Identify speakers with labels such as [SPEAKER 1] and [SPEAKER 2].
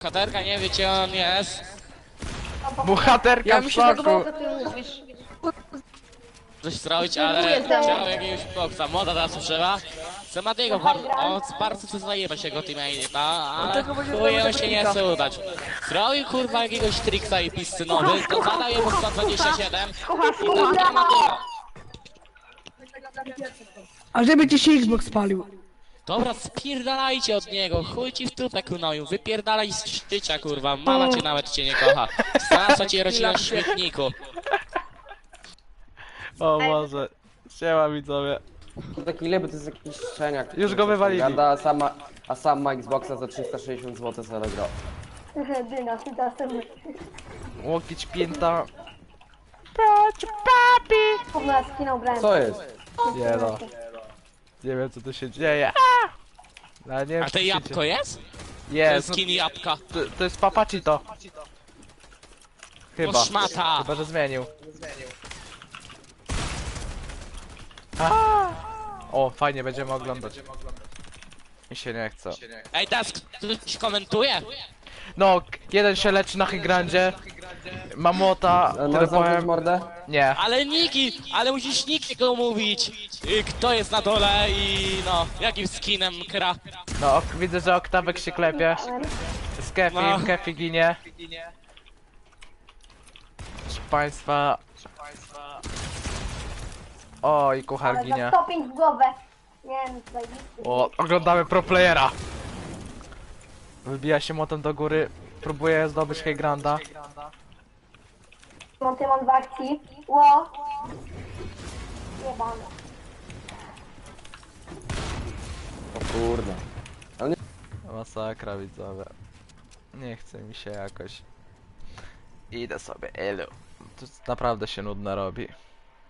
[SPEAKER 1] Bohaterka nie wie gdzie on jest.
[SPEAKER 2] Bohaterka
[SPEAKER 3] Ja
[SPEAKER 2] w
[SPEAKER 3] mi się podobało,
[SPEAKER 2] szoku.
[SPEAKER 3] co ty mówisz.
[SPEAKER 1] Coś zrobić, ale chciał jakiegoś boksa. Moda teraz używa. Sematiego, on bardzo chce zajebać jego teammate'a, ale
[SPEAKER 3] Dlatego będzie
[SPEAKER 1] chuje
[SPEAKER 3] zrobił
[SPEAKER 1] się nie
[SPEAKER 3] tego
[SPEAKER 1] chce udać. Zrobił kurwa jakiegoś triksa i piscy nowy, to zadał jemu 127 i tak nie ma tego.
[SPEAKER 4] A żeby ci się Xbox spalił.
[SPEAKER 1] Dobra, spierdalajcie od niego, chuj ci w tupę kunoju, wypierdalaj z życia kurwa, mama cię nawet cię nie kocha. Znalazła cię rodzina w śmietniku.
[SPEAKER 2] O Boże. Siema widzowie.
[SPEAKER 5] To taki ile, bo to jest jakiś szczeniak.
[SPEAKER 2] Już go wywalili.
[SPEAKER 5] Gada, a sam ma Xboxa za 360 zł sobie grał.
[SPEAKER 6] Dyna, ty
[SPEAKER 2] Łokieć pięta. Patrz, papi.
[SPEAKER 6] Kurwa, skinął brand.
[SPEAKER 5] Co jest?
[SPEAKER 2] Nie no. Nie wiem co tu się dzieje. Ale nie wiem,
[SPEAKER 1] A
[SPEAKER 2] co
[SPEAKER 1] to
[SPEAKER 2] się
[SPEAKER 1] jabłko
[SPEAKER 2] dzieje.
[SPEAKER 1] jest? To
[SPEAKER 2] Jest.
[SPEAKER 1] jest skin jabłka.
[SPEAKER 2] To jest papacito. Chyba.
[SPEAKER 1] No szmata.
[SPEAKER 2] Chyba, że zmienił. A! O, fajnie, będziemy oglądać. Mi się nie chce.
[SPEAKER 1] Ej, teraz ktoś komentuje?
[SPEAKER 2] No, jeden się leczy na Hygrandzie. Mamota,
[SPEAKER 5] Możesz
[SPEAKER 2] tyle
[SPEAKER 5] zamknąć
[SPEAKER 2] powiem.
[SPEAKER 5] mordę?
[SPEAKER 2] Nie.
[SPEAKER 1] Ale Niki, ale musisz nikiego mówić. Kto jest na dole i no, jakim skinem kra.
[SPEAKER 2] No, widzę, że Oktawek się klepie. Z Kefi,
[SPEAKER 1] No.
[SPEAKER 2] Kefi ginie. Proszę państwa. O, i kuchar
[SPEAKER 6] Ale za
[SPEAKER 2] ginie.
[SPEAKER 6] stopień w głowę. Nie wiem, zajebisty.
[SPEAKER 2] O, oglądamy pro playera. Wybija się motem do góry. Próbuje zdobyć Hygranda.
[SPEAKER 6] Montymon w akcji. Ło. Jebane.
[SPEAKER 5] O kurde.
[SPEAKER 2] Masakra widzowie. Nie chce mi się jakoś. Idę sobie, elu. Tu naprawdę się nudno robi.